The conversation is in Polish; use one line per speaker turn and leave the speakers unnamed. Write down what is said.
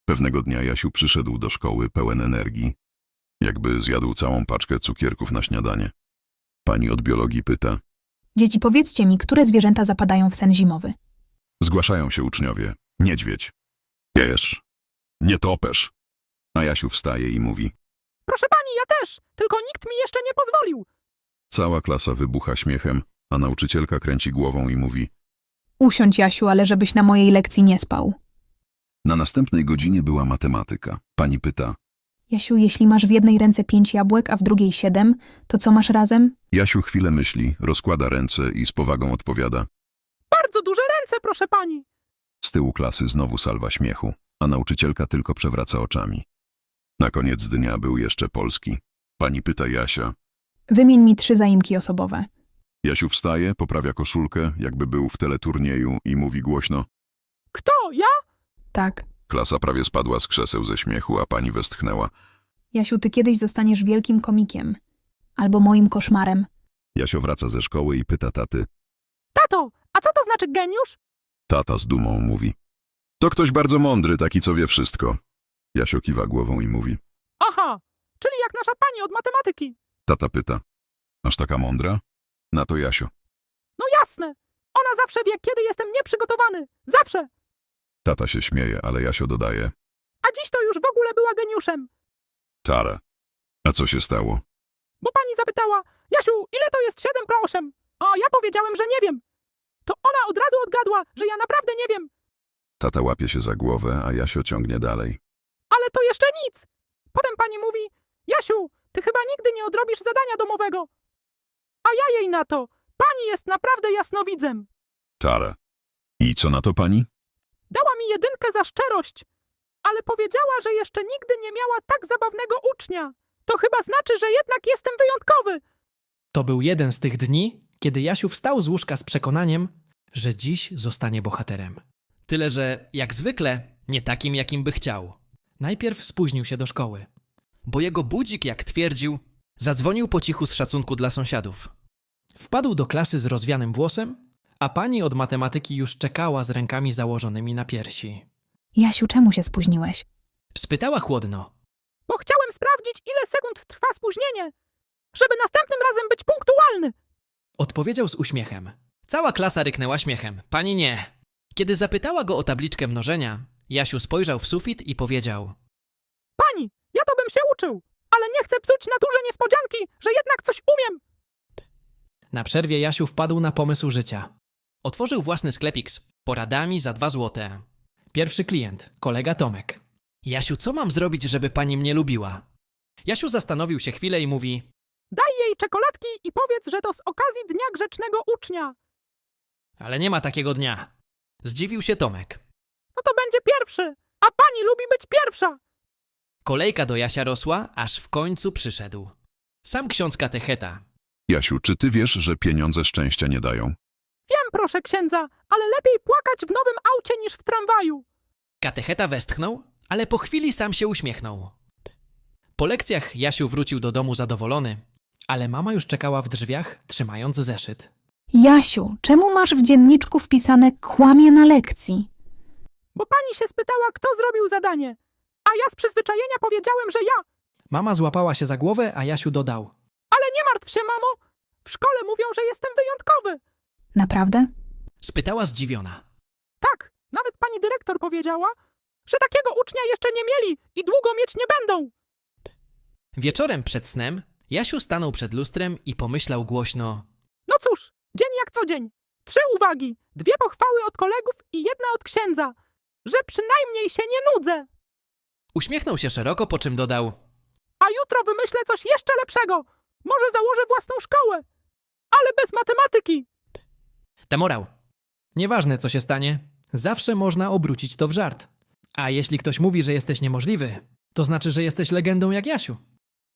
Pewnego dnia Jasiu przyszedł do szkoły pełen energii, jakby zjadł całą paczkę cukierków na śniadanie. Pani od biologii pyta.
Dzieci, powiedzcie mi, które zwierzęta zapadają w sen zimowy?
Zgłaszają się uczniowie. Niedźwiedź. Jesz. Nietoperz. A Jasiu wstaje i mówi.
Proszę pani, ja też, tylko nikt mi jeszcze nie pozwolił.
Cała klasa wybucha śmiechem, a nauczycielka kręci głową i mówi.
Usiądź, Jasiu, ale żebyś na mojej lekcji nie spał.
Na następnej godzinie była matematyka. Pani pyta.
Jasiu, jeśli masz w jednej ręce 5 jabłek, a w drugiej 7, to co masz razem?
Jasiu chwilę myśli, rozkłada ręce i z powagą odpowiada.
Bardzo duże ręce, proszę pani.
Z tyłu klasy znowu salwa śmiechu, a nauczycielka tylko przewraca oczami. Na koniec dnia był jeszcze polski. Pani pyta Jasia.
Wymień mi 3 zaimki osobowe.
Jasiu wstaje, poprawia koszulkę, jakby był w teleturnieju i mówi głośno.
Kto, ja?
Tak.
Klasa prawie spadła z krzeseł ze śmiechu, a pani westchnęła.
Jasiu, ty kiedyś zostaniesz wielkim komikiem. Albo moim koszmarem.
Jasio wraca ze szkoły i pyta taty.
Tato, a co to znaczy geniusz?
Tata z dumą mówi. To ktoś bardzo mądry, taki co wie wszystko. Jasio kiwa głową i mówi.
Aha, czyli jak nasza pani od matematyki.
Tata pyta. Aż taka mądra? Na to Jasio.
No jasne, ona zawsze wie, kiedy jestem nieprzygotowany. Zawsze.
Tata się śmieje, ale Jasio dodaje.
A dziś to już w ogóle była geniuszem.
Tara. A co się stało?
Bo pani zapytała, Jasiu, ile to jest 7 pro 8? A ja powiedziałem, że nie wiem. To ona od razu odgadła, że ja naprawdę nie wiem.
Tata łapie się za głowę, a Jasio ciągnie dalej.
Ale to jeszcze nic. Potem pani mówi, Jasiu, ty chyba nigdy nie odrobisz zadania domowego. A ja jej na to, pani jest naprawdę jasnowidzem.
Tara. I co na to pani?
Dała mi 1 za szczerość, ale powiedziała, że jeszcze nigdy nie miała tak zabawnego ucznia. To chyba znaczy, że jednak jestem wyjątkowy.
To był jeden z tych dni, kiedy Jasiu wstał z łóżka z przekonaniem, że dziś zostanie bohaterem. Tyle, że jak zwykle nie takim, jakim by chciał. Najpierw spóźnił się do szkoły, bo jego budzik, jak twierdził, zadzwonił po cichu z szacunku dla sąsiadów. Wpadł do klasy z rozwianym włosem, a pani od matematyki już czekała z rękami założonymi na piersi.
Jasiu, czemu się spóźniłeś?
Spytała chłodno.
Bo chciałem sprawdzić, ile sekund trwa spóźnienie, żeby następnym razem być punktualny.
Odpowiedział z uśmiechem. Cała klasa ryknęła śmiechem. Pani nie. Kiedy zapytała go o tabliczkę mnożenia, Jasiu spojrzał w sufit i powiedział.
Pani, ja to bym się uczył, ale nie chcę psuć naturze niespodzianki, że jednak coś umiem.
Na przerwie Jasiu wpadł na pomysł życia. Otworzył własny sklepik z poradami za 2 złote. Pierwszy klient, kolega Tomek. Jasiu, co mam zrobić, żeby pani mnie lubiła? Jasiu zastanowił się chwilę i mówi.
Daj jej czekoladki i powiedz, że to z okazji Dnia Grzecznego Ucznia.
Ale nie ma takiego dnia. Zdziwił się Tomek.
No to będzie pierwszy, a pani lubi być pierwsza.
Kolejka do Jasia rosła, aż w końcu przyszedł. Sam ksiądz katecheta.
Jasiu, czy ty wiesz, że pieniądze szczęścia nie dają?
Wiem, proszę księdza, ale lepiej płakać w nowym aucie niż w tramwaju.
Katecheta westchnął, ale po chwili sam się uśmiechnął. Po lekcjach Jasiu wrócił do domu zadowolony, ale mama już czekała w drzwiach, trzymając zeszyt.
Jasiu, czemu masz w dzienniczku wpisane kłamie na lekcji?
Bo pani się spytała, kto zrobił zadanie, a ja z przyzwyczajenia powiedziałem, że ja.
Mama złapała się za głowę, a Jasiu dodał.
Ale nie martw się, mamo. W szkole mówią, że jestem wyjątkowy.
Naprawdę?
Spytała zdziwiona.
Tak, nawet pani dyrektor powiedziała, że takiego ucznia jeszcze nie mieli i długo mieć nie będą.
Wieczorem przed snem Jasiu stanął przed lustrem i pomyślał głośno.
No cóż, dzień jak co dzień. 3 uwagi, 2 pochwały od kolegów i 1 od księdza, że przynajmniej się nie nudzę.
Uśmiechnął się szeroko, po czym dodał.
A jutro wymyślę coś jeszcze lepszego. Może założę własną szkołę, ale bez matematyki.
Temorał. Nieważne co się stanie, zawsze można obrócić to w żart. A jeśli ktoś mówi, że jesteś niemożliwy, to znaczy, że jesteś legendą jak Jasiu.